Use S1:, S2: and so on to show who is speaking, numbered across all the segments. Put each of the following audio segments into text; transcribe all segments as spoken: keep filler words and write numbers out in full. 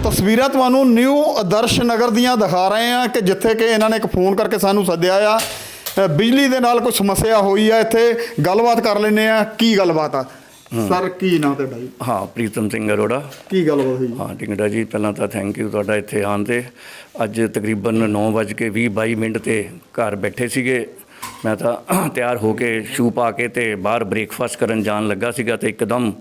S1: ਤਸਵੀਰਾਂ ਤੁਹਾਨੂੰ ਨਿਊ ਆਦਰਸ਼ ਨਗਰ ਦੀਆਂ ਦਿਖਾ ਰਹੇ ਹਾਂ ਕਿ ਜਿੱਥੇ ਕਿ ਇਹਨਾਂ ਨੇ ਇੱਕ ਫੋਨ ਕਰਕੇ ਸਾਨੂੰ ਸੱਦਿਆ ਆ। ਅ, ਬਿਜਲੀ ਦੇ ਨਾਲ ਕੋਈ ਸਮੱਸਿਆ ਹੋਈ ਆ, ਇੱਥੇ ਗੱਲਬਾਤ ਕਰ ਲੈਂਦੇ ਆ। ਕੀ ਗੱਲਬਾਤ ਆ ਸਰ, ਕੀ ਨਾਂ ਤੁਹਾਡਾ ਜੀ?
S2: ਹਾਂ, ਪ੍ਰੀਤਮ ਸਿੰਘ ਅਰੋੜਾ।
S1: ਕੀ ਗੱਲਬਾਤ ਹੋਈ?
S2: ਹਾਂ ਟਿੰਗੜਾ ਜੀ, ਪਹਿਲਾਂ ਤਾਂ ਥੈਂਕ ਯੂ ਤੁਹਾਡਾ ਇੱਥੇ ਆਉਣ 'ਤੇ। ਅੱਜ ਤਕਰੀਬਨ ਨੌ ਵੱਜ ਕੇ ਵੀਹ ਬਾਈ ਮਿੰਟ 'ਤੇ ਘਰ ਬੈਠੇ ਸੀਗੇ। ਮੈਂ ਤਾਂ ਤਿਆਰ ਹੋ ਕੇ ਸ਼ੂ ਪਾ ਕੇ ਅਤੇ ਬਾਹਰ ਬ੍ਰੇਕਫਾਸਟ ਕਰਨ ਜਾਣ ਲੱਗਾ ਸੀਗਾ ਅਤੇ ਇੱਕਦਮ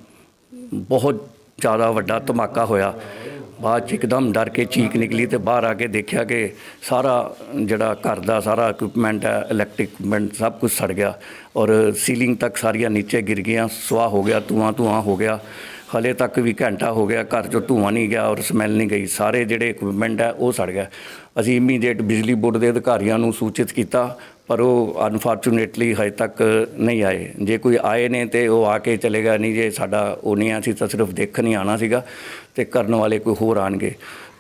S2: ਬਹੁਤ ਜ਼ਿਆਦਾ ਵੱਡਾ ਧਮਾਕਾ ਹੋਇਆ। ਬਾਅਦ 'ਚ ਇੱਕਦਮ ਡਰ ਕੇ ਚੀਕ ਨਿਕਲੀ ਅਤੇ ਬਾਹਰ ਆ ਕੇ ਦੇਖਿਆ ਕਿ ਸਾਰਾ ਜਿਹੜਾ ਘਰ ਦਾ ਸਾਰਾ ਇਕੁਇਪਮੈਂਟ ਹੈ, ਇਲੈਕਟ੍ਰਿਕ ਇਕੁਇਪਮੈਂਟ ਸਭ ਕੁਝ ਸੜ ਗਿਆ ਔਰ ਸੀਲਿੰਗ ਤੱਕ ਸਾਰੀਆਂ ਨੀਚੇ ਗਿਰ ਗਈਆਂ, ਸੁਆਹ ਹੋ ਗਿਆ, ਧੂੰਆਂ ਧੂੰਆਂ ਹੋ ਗਿਆ। ਹਾਲੇ ਤੱਕ ਵੀ ਘੰਟਾ ਹੋ ਗਿਆ ਘਰ 'ਚੋਂ ਧੂੰਆਂ ਨਹੀਂ ਗਿਆ ਔਰ ਸਮੈਲ ਨਹੀਂ ਗਈ। ਸਾਰੇ ਜਿਹੜੇ ਇਕੁਇਪਮੈਂਟ ਹੈ ਉਹ ਸੜ ਗਿਆ। ਅਸੀਂ ਇਮੀਡੀਏਟ ਬਿਜਲੀ ਬੋਰਡ ਦੇ ਅਧਿਕਾਰੀਆਂ ਨੂੰ ਸੂਚਿਤ ਕੀਤਾ, ਪਰ ਉਹ ਅਨਫੋਰਚੂਨੇਟਲੀ ਹਜੇ ਤੱਕ ਨਹੀਂ ਆਏ। ਜੇ ਕੋਈ ਆਏ ਨੇ ਤਾਂ ਉਹ ਆ ਕੇ ਚਲੇ ਗਏ, ਨਹੀਂ ਜੇ ਸਾਡਾ ਉਹ ਨਹੀਂ ਆ, ਅਸੀਂ ਤਾਂ ਸਿਰਫ ਦੇਖਣ ਹੀ ਆਉਣਾ ਸੀਗਾ ਅਤੇ ਕਰਨ ਵਾਲੇ ਕੋਈ ਹੋਰ ਆਉਣਗੇ।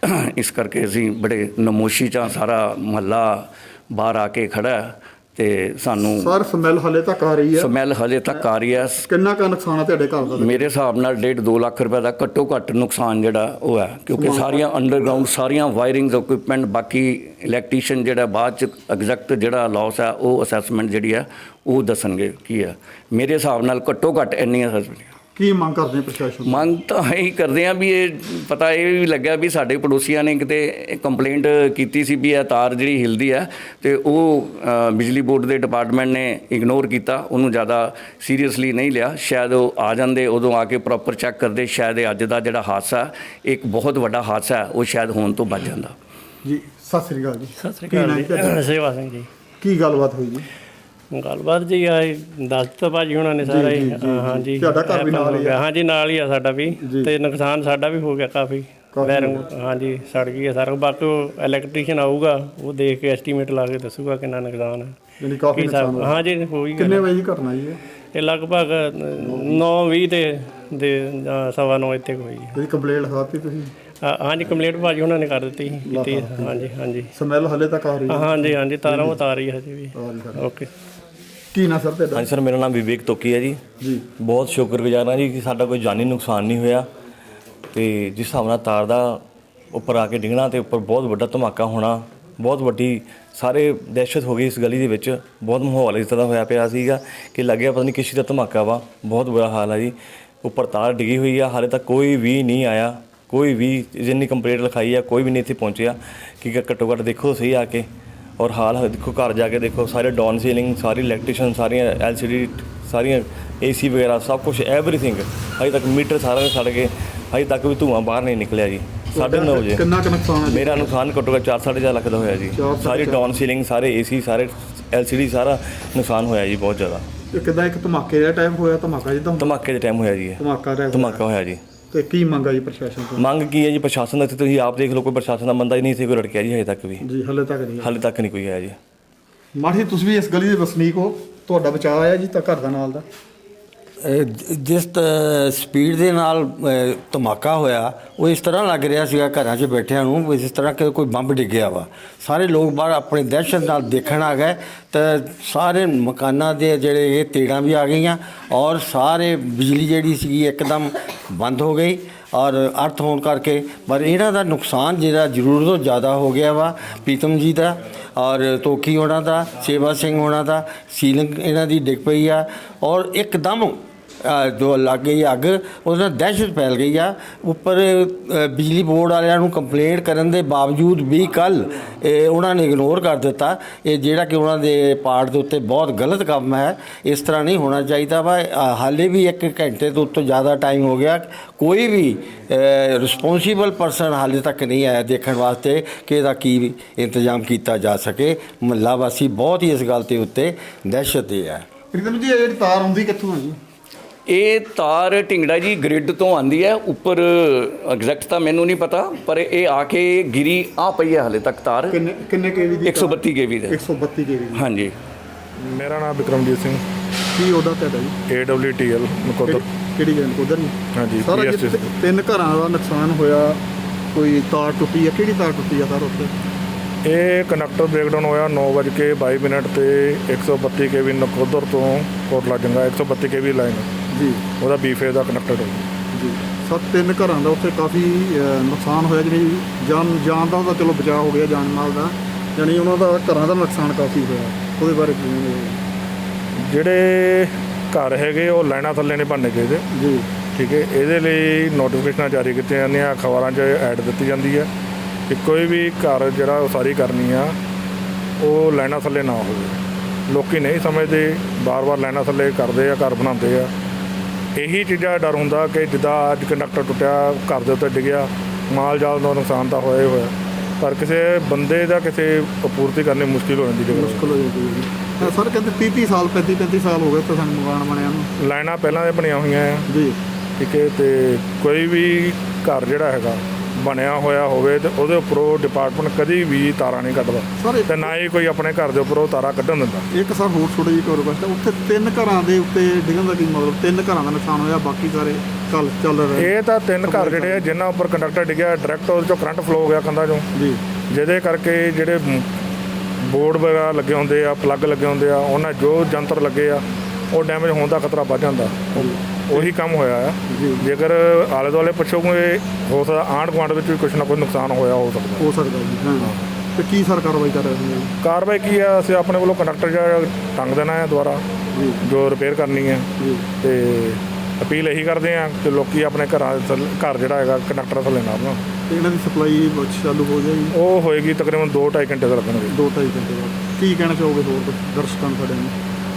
S2: ਇਸ ਕਰਕੇ ਅਸੀਂ ਬੜੇ ਨਮੋਸ਼ੀ 'ਚ ਸਾਰਾ ਮੁਹੱਲਾ ਬਾਹਰ ਆ ਕੇ ਖੜ੍ਹਾ ਅਤੇ ਸਾਨੂੰ
S1: ਸਰ ਸਮੈਲ ਹਲੇ ਤੱਕ ਆ ਰਹੀ ਹੈ?
S2: ਸਮੈਲ ਹਜੇ ਤੱਕ ਆ ਰਹੀ ਹੈ।
S1: ਕਿੰਨਾ ਕੁ ਨੁਕਸਾਨ ਹੈ ਤੁਹਾਡੇ ਘਰ ਦਾ? ਮੇਰੇ
S2: ਹਿਸਾਬ ਨਾਲ ਡੇਢ ਦੋ ਲੱਖ ਰੁਪਏ ਦਾ ਘੱਟੋ ਘੱਟ ਨੁਕਸਾਨ ਜਿਹੜਾ ਉਹ ਹੈ, ਕਿਉਂਕਿ ਸਾਰੀਆਂ ਅੰਡਰਗਰਾਊਂਡ ਸਾਰੀਆਂ ਵਾਇਰਿੰਗ ਇਕੁਇਪਮੈਂਟ, ਬਾਕੀ ਇਲੈਕਟ੍ਰੀਸ਼ੀਅਨ ਜਿਹੜਾ ਬਾਅਦ 'ਚ ਐਗਜ਼ੈਕਟ ਜਿਹੜਾ ਲਾਸ ਹੈ ਉਹ ਅਸੈਸਮੈਂਟ ਜਿਹੜੀ ਹੈ ਉਹ ਦੱਸਣਗੇ ਕੀ ਹੈ। ਮੇਰੇ ਹਿਸਾਬ ਨਾਲ ਘੱਟੋ ਘੱਟ ਇੰਨੀ ਅਸੈਸਮੈਂਟ। ਕੀ ਮੰਗ ਕਰਦੇ ਪ੍ਰਸ਼ਾਸਨ? ਮੰਗ ਤਾਂ ਇਹੀ ਕਰਦੇ ਹਾਂ ਵੀ ਇਹ ਪਤਾ ਇਹ ਵੀ ਲੱਗਿਆ ਵੀ ਸਾਡੇ ਪੜੋਸੀਆਂ ਨੇ ਕਿਤੇ ਕੰਪਲੇਂਟ ਕੀਤੀ ਸੀ ਵੀ ਇਹ ਤਾਰ ਜਿਹੜੀ ਹਿਲਦੀ ਹੈ ਅਤੇ ਉਹ ਬਿਜਲੀ ਬੋਰਡ ਦੇ ਡਿਪਾਰਟਮੈਂਟ ਨੇ ਇਗਨੋਰ ਕੀਤਾ, ਉਹਨੂੰ ਜ਼ਿਆਦਾ ਸੀਰੀਅਸਲੀ ਨਹੀਂ ਲਿਆ। ਸ਼ਾਇਦ ਉਹ ਆ ਜਾਂਦੇ ਉਦੋਂ ਆ ਕੇ ਪ੍ਰੋਪਰ ਚੈੱਕ ਕਰਦੇ, ਸ਼ਾਇਦ ਇਹ ਅੱਜ ਦਾ ਜਿਹੜਾ ਹਾਦਸਾ ਇੱਕ ਬਹੁਤ ਵੱਡਾ ਹਾਦਸਾ ਉਹ ਸ਼ਾਇਦ ਹੋਣ ਤੋਂ ਬਚ ਜਾਂਦਾ। ਜੀ ਸਤਿ ਸ੍ਰੀ ਅਕਾਲ ਜੀ।
S3: ਸਤਿ ਸ੍ਰੀ ਅਕਾਲ ਜੀ। ਸੇਵਾ ਸਿੰਘ ਜੀ।
S1: ਕੀ ਗੱਲਬਾਤ ਹੋਈ ਜੀ?
S3: ਗੱਲਬਾਤ ਜੀ ਆ ਦੱਸ ਦਿੱਤਾ ਭਾਜੀ ਉਹਨਾਂ ਨੇ ਸਾਰਾ ਹੀ। ਹਾਂਜੀ,
S1: ਤੁਹਾਡਾ ਘਰ ਵੀ ਨਾਲ ਹੀ ਆ?
S3: ਹਾਂਜੀ ਨਾਲ ਹੀ ਆ ਸਾਡਾ ਵੀ, ਅਤੇ ਨੁਕਸਾਨ ਸਾਡਾ ਵੀ ਹੋ ਗਿਆ ਕਾਫੀ। ਵਾਇਰਿੰਗ ਹਾਂਜੀ ਸੜ ਗਈ ਹੈ ਸਾਰਾ। ਬਾਕੀ ਉਹ ਇਲੈਕਟ੍ਰੀਸ਼ੀਅਨ ਆਊਗਾ, ਉਹ ਦੇਖ ਕੇ ਐਸਟੀਮੇਟ ਲਾ ਕੇ ਦੱਸੂਗਾ ਕਿੰਨਾ ਨੁਕਸਾਨ ਹੈ।
S1: ਕਾਫੀ
S3: ਹਾਂਜੀ ਹੋਈ।
S1: ਕਿੰਨੇ ਵਜੇ ਦੀ ਘਟਨਾ ਜੀ?
S3: ਇਹ ਲਗਭਗ ਨੌ ਵੀਹ ਤੇ ਦੇ ਸਵਾ ਨੌ ਇੱਥੇ ਹੋਈ ਹੈ।
S1: ਕੰਪਲੇਂਟ ਲਿਖਾਤੀ ਤੁਸੀਂ?
S3: ਹਾਂਜੀ ਕੰਪਲੇਂਟ ਭਾਜੀ ਉਹਨਾਂ ਨੇ ਕਰ ਦਿੱਤੀ ਕੀਤੀ। ਹਾਂਜੀ ਹਾਂਜੀ।
S1: ਸਮੈਲ ਹਲੇ ਤੱਕ ਆ ਰਹੀ ਹੈ? ਹਾਂਜੀ
S3: ਹਾਂਜੀ, ਤਾਰਾਂ ਉਹ ਤਾਰ ਰਹੀ ਹੈ ਹਜੇ ਵੀ। ਓਕੇ।
S1: ਕੀ ਨਾ ਸਰ ਤੁਹਾਡਾ?
S4: ਹਾਂਜੀ ਸਰ, ਮੇਰਾ ਨਾਮ ਵਿਵੇਕ ਤੋਕੀ ਹੈ ਜੀ। ਜੀ ਬਹੁਤ ਸ਼ੁਕਰਗੁਜ਼ਾਰ ਹਾਂ ਜੀ ਕਿ ਸਾਡਾ ਕੋਈ ਜਾਨੀ ਨੁਕਸਾਨ ਨਹੀਂ ਹੋਇਆ। ਅਤੇ ਜਿਸ ਹਿਸਾਬ ਨਾਲ ਤਾਰ ਦਾ ਉੱਪਰ ਆ ਕੇ ਡਿੱਗਣਾ ਅਤੇ ਉੱਪਰ ਬਹੁਤ ਵੱਡਾ ਧਮਾਕਾ ਹੋਣਾ, ਬਹੁਤ ਵੱਡੀ ਸਾਰੇ ਦਹਿਸ਼ਤ ਹੋ ਗਈ ਇਸ ਗਲੀ ਦੇ ਵਿੱਚ। ਬਹੁਤ ਮਾਹੌਲ ਇਸ ਤਰ੍ਹਾਂ ਹੋਇਆ ਪਿਆ ਸੀਗਾ ਕਿ ਲੱਗਿਆ ਪਤਾ ਨਹੀਂ ਕਿਸੇ ਦਾ ਧਮਾਕਾ ਵਾ। ਬਹੁਤ ਬੁਰਾ ਹਾਲ ਹੈ ਜੀ। ਉੱਪਰ ਤਾਰ ਡਿੱਗੀ ਹੋਈ ਆ, ਹਾਲੇ ਤੱਕ ਕੋਈ ਵੀ ਨਹੀਂ ਆਇਆ, ਕੋਈ ਵੀ ਜਿੰਨੀ ਕੰਪਲੇਂਟ ਲਿਖਾਈ ਆ ਕੋਈ ਵੀ ਨਹੀਂ ਇੱਥੇ ਪਹੁੰਚਿਆ ਕਿ ਘੱਟੋ ਘੱਟ ਦੇਖੋ ਸਹੀ ਆ ਕੇ। ਔਰ ਹਾਲ ਦੇਖੋ, ਘਰ ਜਾ ਕੇ ਦੇਖੋ, ਸਾਰੇ ਡਾਊਨ ਸੀਲਿੰਗ, ਸਾਰੀ ਇਲੈਕਟ੍ਰੀਸ਼ਨ, ਸਾਰੀਆਂ ਐਲ ਸੀ ਡੀ, ਸਾਰੀਆਂ ਏ ਸੀ ਵਗੈਰਾ ਸਭ ਕੁਛ ਐਵਰੀਥਿੰਗ। ਹਜੇ ਤੱਕ ਮੀਟਰ ਸਾਰਾ ਸੜ ਗਏ, ਹਜੇ ਤੱਕ ਵੀ ਧੂੰਆਂ ਬਾਹਰ ਨਹੀਂ ਨਿਕਲਿਆ ਜੀ। ਸਾਢੇ ਨੌ ਵਜੇ
S1: ਕਿੰਨਾ ਕੁ ਨੁਕਸਾਨ ਹੈ? ਮੇਰਾ
S4: ਨੁਕਸਾਨ ਘੱਟੋ ਘੱਟ ਚਾਰ ਸਾਢੇ ਚਾਰ ਲੱਖ ਦਾ ਹੋਇਆ ਜੀ। ਸਾਰੀ ਡਾਊਨ ਸੀਲਿੰਗ, ਸਾਰੇ ਏ ਸੀ, ਸਾਰੇ ਐਲ ਸੀ ਡੀ, ਸਾਰਾ ਨੁਕਸਾਨ ਹੋਇਆ ਜੀ ਬਹੁਤ ਜ਼ਿਆਦਾ।
S1: ਕਿੱਦਾਂ ਇੱਕ ਧਮਾਕੇ ਦਾ ਟਾਈਮ ਹੋਇਆ? ਧਮਾਕਾ ਜਿੱਦਾਂ
S4: ਧਮਾਕੇ ਦੇ ਟਾਈਮ ਹੋਇਆ ਜੀ।
S1: ਧਮਾਕਾ
S4: ਧਮਾਕਾ ਹੋਇਆ ਜੀ।
S1: ਤੇ ਕੀ ਮੰਗ ਆ ਜੀ ਪ੍ਰਸ਼ਾਸਨ ਤੋਂ?
S4: ਮੰਗ ਕੀ ਹੈ ਜੀ ਪ੍ਰਸ਼ਾਸਨ ਦਾ? ਇੱਥੇ ਤੁਸੀਂ ਆਪ ਦੇਖ ਲਓ, ਕੋਈ ਪ੍ਰਸ਼ਾਸਨ ਦਾ ਬੰਦਾ ਹੀ ਨਹੀਂ ਇੱਥੇ ਕੋਈ ਰੜਕਿਆ ਜੀ ਹਜੇ ਤੱਕ ਵੀ।
S1: ਜੀ ਹਾਲੇ ਤੱਕ ਨਹੀਂ? ਹਾਲੇ
S4: ਤੱਕ ਨਹੀਂ ਕੋਈ ਆਇਆ ਜੀ।
S1: ਮਾਠੀ ਤੁਸੀਂ ਵੀ ਇਸ ਗਲੀ ਦੇ ਵਸਨੀਕ ਹੋ, ਤੁਹਾਡਾ ਬਚਾਅ ਆਇਆ ਜੀ ਤਾਂ ਘਰ ਦਾ ਨਾਲ ਦਾ?
S5: ਜਿਸ ਸਪੀਡ ਦੇ ਨਾਲ ਧਮਾਕਾ ਹੋਇਆ ਉਹ ਇਸ ਤਰ੍ਹਾਂ ਲੱਗ ਰਿਹਾ ਸੀਗਾ ਘਰਾਂ 'ਚ ਬੈਠਿਆਂ ਨੂੰ ਜਿਸ ਤਰ੍ਹਾਂ ਕਿ ਕੋਈ ਬੰਬ ਡਿੱਗਿਆ ਵਾ। ਸਾਰੇ ਲੋਕ ਬਾਹਰ ਆਪਣੇ ਦਹਿਸ਼ਤ ਨਾਲ ਦੇਖਣ ਆ ਗਏ ਤਾਂ ਸਾਰੇ ਮਕਾਨਾਂ ਦੇ ਜਿਹੜੇ ਇਹ ਤੇੜਾਂ ਵੀ ਆ ਗਈਆਂ ਔਰ ਸਾਰੇ ਬਿਜਲੀ ਜਿਹੜੀ ਸੀਗੀ ਇੱਕਦਮ ਬੰਦ ਹੋ ਗਈ ਔਰ ਅਰਥ ਹੋਣ ਕਰਕੇ। ਪਰ ਇਹਨਾਂ ਦਾ ਨੁਕਸਾਨ ਜਿਹੜਾ ਜ਼ਰੂਰਤ ਤੋਂ ਜ਼ਿਆਦਾ ਹੋ ਗਿਆ ਵਾ ਪ੍ਰੀਤਮ ਜੀ ਦਾ ਔਰ ਤੋਕੀ ਹੋਣਾ ਦਾ, ਸੇਵਾ ਸਿੰਘ ਹੋਣਾ ਦਾ। ਸੀਲਿੰਗ ਇਹਨਾਂ ਦੀ ਡਿੱਗ ਪਈ ਆ ਔਰ ਇੱਕਦਮ ਜੋ ਲੱਗ ਗਈ ਅੱਗ, ਉਹਦੇ ਨਾਲ ਦਹਿਸ਼ਤ ਫੈਲ ਗਈ ਆ। ਉੱਪਰ ਬਿਜਲੀ ਬੋਰਡ ਵਾਲਿਆਂ ਨੂੰ ਕੰਪਲੇਂਟ ਕਰਨ ਦੇ ਬਾਵਜੂਦ ਵੀ ਕੱਲ੍ਹ ਉਹਨਾਂ ਨੇ ਇਗਨੋਰ ਕਰ ਦਿੱਤਾ। ਇਹ ਜਿਹੜਾ ਕਿ ਉਹਨਾਂ ਦੇ ਪਾਰਟ ਦੇ ਉੱਤੇ ਬਹੁਤ ਗਲਤ ਕੰਮ ਹੈ। ਇਸ ਤਰ੍ਹਾਂ ਨਹੀਂ ਹੋਣਾ ਚਾਹੀਦਾ ਵਾ। ਹਾਲੇ ਵੀ ਇੱਕ ਘੰਟੇ ਤੋਂ ਉੱਤੋਂ ਜ਼ਿਆਦਾ ਟਾਈਮ ਹੋ ਗਿਆ, ਕੋਈ ਵੀ ਰਿਸਪੋਂਸੀਬਲ ਪਰਸਨ ਹਾਲੇ ਤੱਕ ਨਹੀਂ ਆਇਆ ਦੇਖਣ ਵਾਸਤੇ ਕਿ ਇਹਦਾ ਕੀ ਇੰਤਜ਼ਾਮ ਕੀਤਾ ਜਾ ਸਕੇ। ਮੁਹੱਲਾ ਵਾਸੀ ਬਹੁਤ ਹੀ ਇਸ ਗੱਲ ਦੇ ਉੱਤੇ ਦਹਿਸ਼ਤ ਦੇ ਹੈ।
S1: ਪ੍ਰੀਤਮ ਜੀ ਇਹ ਜਿਹੜੀ ਤਾਰ ਆਉਂਦੀ ਕਿੱਥੋਂ ਹੈ ਜੀ?
S2: ਇਹ ਤਾਰ ਢਿੰਗੜਾ ਜੀ ਗ੍ਰਿਡ ਤੋਂ ਆਉਂਦੀ ਹੈ ਉੱਪਰ, ਐਗਜ਼ੈਕਟ ਤਾਂ ਮੈਨੂੰ ਨਹੀਂ ਪਤਾ, ਪਰ ਇਹ ਆ ਕੇ ਗਿਰੀ ਆ ਪਈ ਹੈ ਹਾਲੇ ਤੱਕ ਤਾਰ।
S1: ਕਿੰਨੇ ਕਿੰਨੇ ਕੇਵੀ ਦੀ?
S2: ਇੱਕ ਸੌ ਬੱਤੀ ਕੇਵੀ ਦੀ।
S1: ਇੱਕ ਸੌ ਬੱਤੀ ਕੇਵੀ ਦੀ।
S2: ਹਾਂਜੀ।
S6: ਮੇਰਾ ਨਾਮ ਵਿਕਰਮਜੀਤ ਸਿੰਘ।
S1: ਕੀ ਉਹਦਾ ਤੁਹਾਡਾ ਜੀ?
S6: A W T L Nakodar.
S1: ਕਿਹੜੀ ਗੱਲ ਨਕੋਦਰ ਜੀ?
S6: ਹਾਂਜੀ।
S1: ਸਾਰਾ ਤਿੰਨ ਘਰਾਂ ਦਾ ਨੁਕਸਾਨ ਹੋਇਆ, ਕੋਈ ਤਾਰ ਟੁੱਟੀ ਆ? ਕਿਹੜੀ ਤਾਰ ਟੁੱਟੀ ਆ ਸਰ ਉੱਥੇ?
S6: ਇਹ ਕਨੈਕਟਰ ਬ੍ਰੇਕਡਾਊਨ ਹੋਇਆ ਨੌ ਵੱਜ ਕੇ ਬਾਈ ਮਿੰਟ 'ਤੇ ਇੱਕ ਸੌ ਬੱਤੀ ਕੇ ਵੀ ਨਕੋਦਰ ਤੋਂ ਕੋਟਲਾ ਜੰਗਾ ਇੱਕ ਸੌ ਬੱਤੀ ਕੇ ਵੀ ਲਾਈਨ ਜੀ, ਉਹਦਾ ਬੀ ਫੇਜ਼ ਦਾ ਕਨੈਕਟਰ ਜੀ।
S1: ਸੱਤ ਤਿੰਨ ਘਰਾਂ ਦਾ ਉੱਥੇ ਕਾਫੀ ਅ, ਨੁਕਸਾਨ ਹੋਇਆ, ਜਿਹੜੀ ਜਾਨ ਜਾਨ ਦਾ ਤਾਂ ਚਲੋ ਬਚਾਅ ਹੋ ਗਿਆ, ਜਾਨ ਮਾਲ ਦਾ, ਯਾਨੀ ਉਹਨਾਂ ਦਾ ਘਰਾਂ ਦਾ ਨੁਕਸਾਨ ਕਾਫੀ ਹੋਇਆ, ਉਹਦੇ ਬਾਰੇ ਕੀ ਕਹਿੰਦੇ?
S6: ਜਿਹੜੇ ਘਰ ਹੈਗੇ ਉਹ ਲਾਈਨਾਂ ਥੱਲੇ ਨਹੀਂ ਬਣਨੇ ਚਾਹੀਦੇ।
S1: ਜੀ
S6: ਠੀਕ ਹੈ, ਇਹਦੇ ਲਈ ਨੋਟੀਫਿਕੇਸ਼ਨਾਂ ਜਾਰੀ ਕੀਤੀਆਂ ਜਾਂਦੀਆਂ, ਅਖਬਾਰਾਂ 'ਚ ਐਡ ਦਿੱਤੀ ਜਾਂਦੀ ਹੈ ਕਿ ਕੋਈ ਵੀ ਘਰ ਜਿਹੜਾ ਉਸਾਰੀ ਕਰਨੀ ਆ ਉਹ ਲਾਈਨਾਂ ਥੱਲੇ ਨਾ ਹੋਵੇ। ਲੋਕੀ ਨਹੀਂ ਸਮਝਦੇ, ਵਾਰ-ਵਾਰ ਲਾਈਨਾਂ ਥੱਲੇ ਕਰਦੇ ਆ, ਘਰ ਬਣਾਉਂਦੇ ਆ। ਇਹੀ ਚੀਜ਼ਾਂ ਦਾ ਡਰ ਹੁੰਦਾ ਕਿ ਜਿੱਦਾਂ ਅੱਜ ਕੰਡਕਟਰ ਟੁੱਟਿਆ, ਘਰ ਦੇ ਉੱਤੇ ਡਿੱਗਿਆ, ਮਾਲ ਜਾਲ ਦਾ ਨੁਕਸਾਨ ਤਾਂ ਹੋਇਆ ਹੀ ਹੋਇਆ, ਪਰ ਕਿਸੇ ਬੰਦੇ ਦਾ ਕਿਸੇ ਪੂਰਤੀ ਕਰਨੀ ਮੁਸ਼ਕਿਲ ਹੋ ਜਾਂਦੀ ਜੇਕਰ
S1: ਮੁਸ਼ਕਿਲ ਹੋ ਜਾਂਦੀ ਹੈ ਜੀ। ਸਰ ਕਹਿੰਦੇ ਤੀਹ ਤੀਹ ਸਾਲ ਪੈਂਤੀ ਪੈਂਤੀ ਸਾਲ ਹੋ ਗਏ ਤਾਂ ਸਾਨੂੰ ਮਕਾਨ ਬਣਿਆ ਨੂੰ।
S6: ਲਾਈਨਾਂ ਪਹਿਲਾਂ ਦੇ ਬਣੀਆਂ ਹੋਈਆਂ ਆ।
S1: ਜੀ
S6: ਠੀਕ ਹੈ, ਅਤੇ ਕੋਈ ਵੀ ਘਰ ਜਿਹੜਾ ਹੈਗਾ ਬਣਿਆ ਹੋਇਆ ਹੋਵੇ ਤੇ ਉਹਦੇ ਉੱਪਰੋਂ ਡਿਪਾਰਟਮੈਂਟ ਕਦੀ ਵੀ ਤਾਰਾਂ ਨਹੀਂ ਕੱਢਦਾ
S1: ਸਰ
S6: ਤੇ ਨਾ ਹੀ ਕੋਈ ਆਪਣੇ ਘਰ ਦੇ ਉੱਪਰੋਂ ਤਾਰਾਂ ਕੱਢਣ ਦਿੰਦਾ।
S1: ਇੱਕ ਸਰ ਹੋਰ ਥੋੜੀ ਜਿਹੀ ਰਿਕੁਐਸਟ ਹੈ, ਉੱਥੇ ਤਿੰਨ ਘਰਾਂ ਦੇ ਉੱਤੇ ਡਿੱਗਣ ਦਾ ਕੀ ਮਤਲਬ? ਤਿੰਨ ਘਰਾਂ ਦਾ ਨੁਕਸਾਨ ਹੋਇਆ, ਬਾਕੀ ਸਾਰੇ ਚੱਲ ਚੱਲ ਰਹੇ?
S6: ਇਹ ਤਾਂ ਤਿੰਨ ਘਰ ਜਿਹੜੇ ਆ ਜਿਨ੍ਹਾਂ ਉੱਪਰ ਕੰਡਕਟਰ ਡਿੱਗਿਆ, ਡਾਇਰੈਕਟ ਉਹਦੇ 'ਚੋਂ ਕਰੰਟ ਫਲੋ ਹੋ ਗਿਆ ਕੰਧਾਂ 'ਚੋਂ,
S1: ਜੀ
S6: ਜਿਹਦੇ ਕਰਕੇ ਜਿਹੜੇ ਬੋਰਡ ਵਗੈਰਾ ਲੱਗੇ ਹੁੰਦੇ ਆ, ਪਲੱਗ ਲੱਗੇ ਹੁੰਦੇ ਆ, ਉਹਨਾਂ ਜੋ ਜੰਤਰ ਲੱਗੇ ਆ ਉਹ ਡੈਮੇਜ ਹੋਣ ਦਾ ਖਤਰਾ ਵੱਧ ਜਾਂਦਾ। ਉਹੀ ਕੰਮ ਹੋਇਆ ਆ। ਜੇਕਰ ਆਲੇ ਦੁਆਲੇ ਪੁੱਛੋਗੇ ਹੋ ਸਕਦਾ ਆਂਢ ਗੁਆਂਢ ਵਿੱਚ ਵੀ ਕੁਛ ਨਾ ਕੁਛ ਨੁਕਸਾਨ ਹੋਇਆ ਹੋ ਸਕਦਾ
S1: ਹੋ ਸਕਦਾ ਜੀ। ਹਾਂ, ਤੇ ਕੀ ਸਰ ਕਾਰਵਾਈ ਕਰ ਰਹੇ ਹੋ?
S6: ਕਾਰਵਾਈ ਕੀ ਆ, ਅਸੀਂ ਆਪਣੇ ਵੱਲੋਂ ਕੰਡਕਟਰ ਜਿਹੜਾ ਟੰਗ ਦੇਣਾ ਹੈ ਦੁਬਾਰਾ,
S1: ਜੀ
S6: ਜੋ ਰਿਪੇਅਰ ਕਰਨੀ ਹੈ।
S1: ਜੀ
S6: ਤੇ ਅਪੀਲ ਇਹੀ ਕਰਦੇ ਆ ਕਿ ਲੋਕੀ ਆਪਣੇ ਘਰਾਂ ਦੇ ਥੱਲੇ- ਘਰ ਜਿਹੜਾ ਹੈਗਾ ਕੰਡਕਟਰ ਥੱਲੇ ਨਾ ਬਣਾਉਣ।
S1: ਤੇ ਇਹਨਾਂ ਦੀ ਸਪਲਾਈ ਚਾਲੂ ਹੋ ਜਾਏਗੀ?
S6: ਉਹ ਹੋਏਗੀ ਤਕਰੀਬਨ ਦੋ ਢਾਈ ਘੰਟੇ ਦਾ ਲੱਗਣਗੇ।
S1: ਦੋ ਢਾਈ ਘੰਟੇ ਬਾਅਦ। ਕੀ ਕਹਿਣਾ ਚਾਹੋਗੇ ਹੋਰ ਦਰਸ਼ਕਾਂ ਨੂੰ ਸਾਡੇ ਨੂੰ?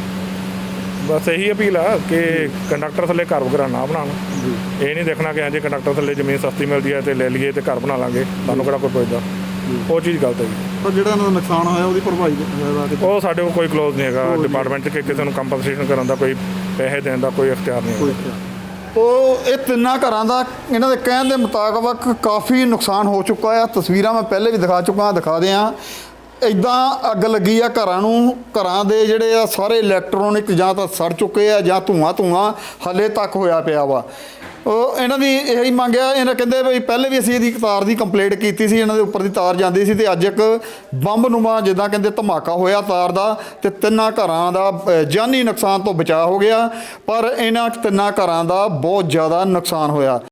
S6: ਬਸ ਇਹੀ ਅਪੀਲ ਆ ਕਿ ਕੰਡਕਟਰ ਥੱਲੇ ਘਰ ਵਗੈਰਾ ਨਾ ਬਣਾਉਣ।
S1: ਜੀ
S6: ਇਹ ਨਹੀਂ ਦੇਖਣਾ ਕਿ ਹਾਂਜੀ ਕੰਡਕਟਰ ਥੱਲੇ ਜ਼ਮੀਨ ਸਸਤੀ ਮਿਲਦੀ ਹੈ ਤੇ ਲੈ ਲਈਏ ਤੇ ਘਰ ਬਣਾ ਲਾਂਗੇ, ਸਾਨੂੰ ਕਿਹੜਾ ਕੋਈ ਪੁੱਛਦਾ। ਉਹ ਚੀਜ਼ ਗਲਤ ਹੈ ਜੀ।
S1: ਪਰ ਜਿਹੜਾ ਇਹਨਾਂ ਦਾ ਨੁਕਸਾਨ ਹੋਇਆ ਉਹਦੀ ਭਰਪਾਈ ਦਾ ਕਿ
S6: ਉਹ ਸਾਡੇ ਕੋਲ ਕੋਈ ਕਲੋਜ਼ ਨਹੀਂ ਹੈਗਾ
S1: ਕੋਈ ਨਹੀਂ।
S6: ਡਿਪਾਰਟਮੈਂਟ 'ਚ ਕਿ ਕਿਸੇ ਨੂੰ ਕੰਪਨਸੇਸ਼ਨ ਕਰਨ ਦਾ, ਕੋਈ ਪੈਸੇ ਦੇਣ ਦਾ ਕੋਈ ਅਖਤਿਆਰ ਨਹੀਂ
S1: ਕੋਈ
S6: ਹੈਗਾ।
S1: ਉਹ ਇਹ ਤਿੰਨਾਂ ਘਰਾਂ ਦਾ ਇਹਨਾਂ ਦੇ ਕਹਿਣ ਦੇ ਮੁਤਾਬਕ ਕਾਫੀ ਨੁਕਸਾਨ ਹੋ ਚੁੱਕਾ ਆ। ਤਸਵੀਰਾਂ ਮੈਂ ਪਹਿਲੇ ਵੀ ਦਿਖਾ ਚੁੱਕਾ ਹਾਂ, ਦਿਖਾ ਦਿਆਂ। ਇੱਦਾਂ ਅੱਗ ਲੱਗੀ ਆ ਘਰਾਂ ਨੂੰ, ਘਰਾਂ ਦੇ ਜਿਹੜੇ ਆ ਸਾਰੇ ਇਲੈਕਟ੍ਰੋਨਿਕ ਜਾਂ ਤਾਂ ਸੜ ਚੁੱਕੇ ਆ ਜਾਂ ਧੂਆਂ ਧੂਆਂ ਹਾਲੇ ਤੱਕ ਹੋਇਆ ਪਿਆ ਵਾ। ਉਹ ਇਹਨਾਂ ਦੀ ਇਹੀ ਮੰਗਿਆ, ਇਹਨਾਂ ਕਹਿੰਦੇ ਵੀ ਪਹਿਲੇ ਵੀ ਅਸੀਂ ਇਹਦੀ ਤਾਰ ਦੀ ਕੰਪਲੇਂਟ ਕੀਤੀ ਸੀ, ਇਹਨਾਂ ਦੇ ਉੱਪਰ ਦੀ ਤਾਰ ਜਾਂਦੀ ਸੀ ਤੇ ਅੱਜ ਇੱਕ ਬੰਬ ਨੂੰਮਾ ਜਿੱਦਾਂ ਕਹਿੰਦੇ ਧਮਾਕਾ ਹੋਇਆ ਤਾਰ ਦਾ ਤੇ ਤਿੰਨਾਂ ਘਰਾਂ ਦਾ ਅ, ਜਾਨੀ ਨੁਕਸਾਨ ਤੋਂ ਬਚਾਅ ਹੋ ਗਿਆ, ਪਰ ਇਹਨਾਂ ਤਿੰਨਾਂ ਘਰਾਂ ਦਾ ਬਹੁਤ ਜ਼ਿਆਦਾ ਨੁਕਸਾਨ ਹੋਇਆ।